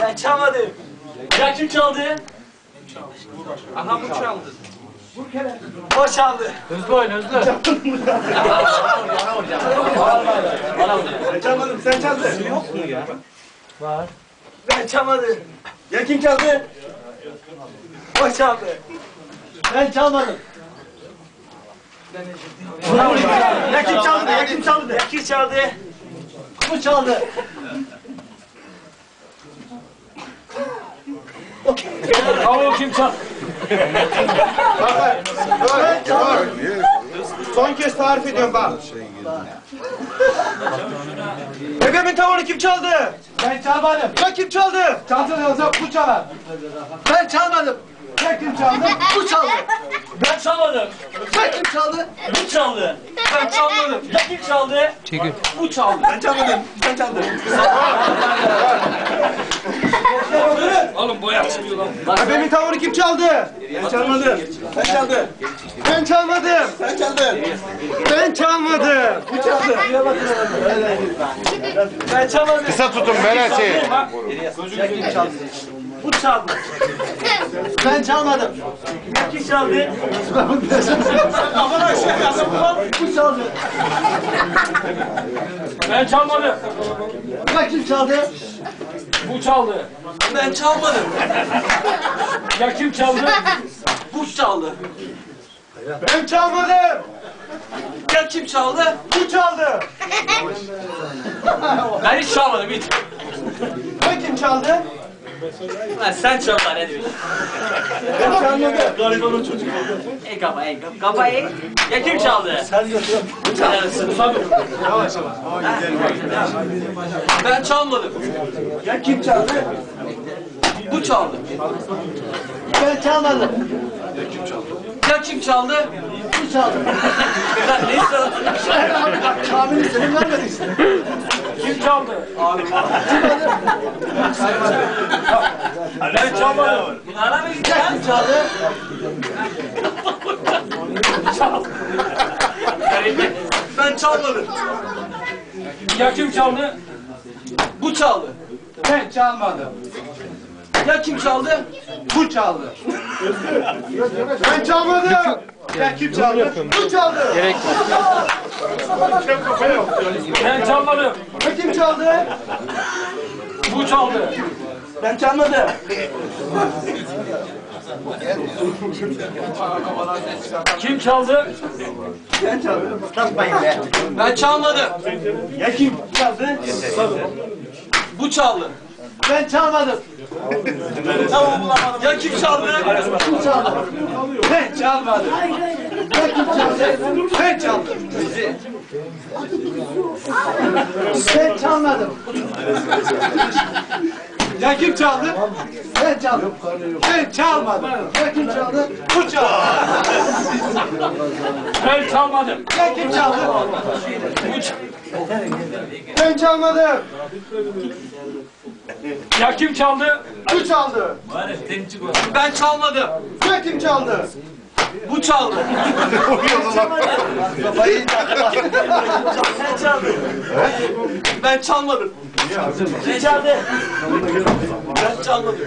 Ben çalmadım. Ya kim çaldı? Aha bu çaldı. O çaldı. Hızlı oyun hızlı. Ben çalmadım, sen çaldın. Yok mu ya? Var. Ben çalmadım. Ya kim çaldı? O çaldı. Ben çalmadım. Ya kim çaldı? Ya kim çaldı? Ya kim çaldı? Bu çaldı. Bravo kim çaldı? Ben çalmadım. Son kez tarif ediyorum bak. Bebeğimin tavuğunu kim çaldı? Ben çalmadım. Ya kim çaldı? Çalsın yoksa bu çalar. Ben çalmadım. Ya kim çaldı? Bu çaldı. Ben çalmadım. Ya kim çaldı? Bu çaldı. Ben çalmadım. Ya kim çaldı? Çekil. Bu çaldı. Ben çalmadım. Sen çaldın. Oğlum boya çıkıyor lan. Bebeğimin tavuğunu kim çaldı? Ben çalmadım. Sen çaldın. Ben çalmadım. Sen çaldın. Ben çalmadım. Bu çaldı. Ben çalmadım. Kısa tutun Berat'i. Bu çaldı. Ben çalmadım. Ya kim çaldı? Aman aşağı bu çaldı. Ben çalmadım. Ya kim çaldı? Bu çaldı. Ben çalmadım. Ya kim çaldı? Bu çaldı. Ben çalmadım. Ya kim çaldı? Bu çaldı. Ben hiç çalmadım hiç. Ya kim çaldı? Lan sen çal lan ne diyorsun? Ben çalmadım. Garibanın çocuğu. Ey kafa ey kafa ey. Ya kim çaldı? Sen götür. Bu çaldı. Yavaş yavaş. Ben çalmadım. Ya kim çaldı? Bu çaldı. Ben çalmadım. Ya kim çaldı? Bu çaldı. Lan ne istiyorsun? Kamil'i senin vermedin işte. Kim çaldı? Ben çalmadım. Ana mı Ya gideceksin? kim çaldı? Ben çalmadım. Ya kim çaldı? Bu çaldı. Ben çalmadım. Ya kim çaldı? Bu çaldı. Ben çalmadım. Ya kim çaldı? Bu çaldı. Gerek Ben çalmadım. Ya kim çaldı? Bu çaldı. Ben çalmadım. Kim çaldı? Ben çaldım. Takmayın be. Ben çalmadım. Ya kim çaldı? Bu çaldı. Ben çalmadım. Ya kim çaldı? Bu çaldı. Ben çalmadım. Ya kim çaldı? Ben çaldım. Ben çalmadım. Ya kim çaldı? Ben çaldım. Ben çalmadım. Ya kim çaldı? Bu çaldı. Ben çalmadım. Ya kim çaldı? Bu çaldı. Ben çalmadım. Ya kim çaldı? Bu çaldı. Ben çalmadım. Ya kim çaldı? Bu çaldı. Sen çaldın. Ben çalmadım. Ne çaldı? Ben çalmadım.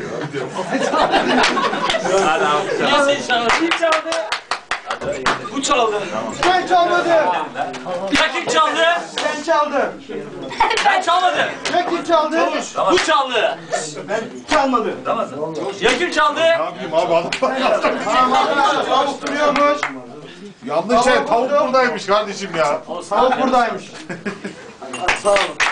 Niye sen çaldın? Kim çaldı? Bu çaldı. Ben çalmadım. Ya kim çaldı? Ben çaldım. Ben çalmadım. Ya kim çaldı? Bu çaldı. Ben çalmadım. Ya kim çaldı? Ne yapayım abi adam. Tamam arkadaşlar tavuk duruyormuş. Yanlış şey tavuk buradaymış kardeşim ya. Tavuk buradaymış. Sağ olun.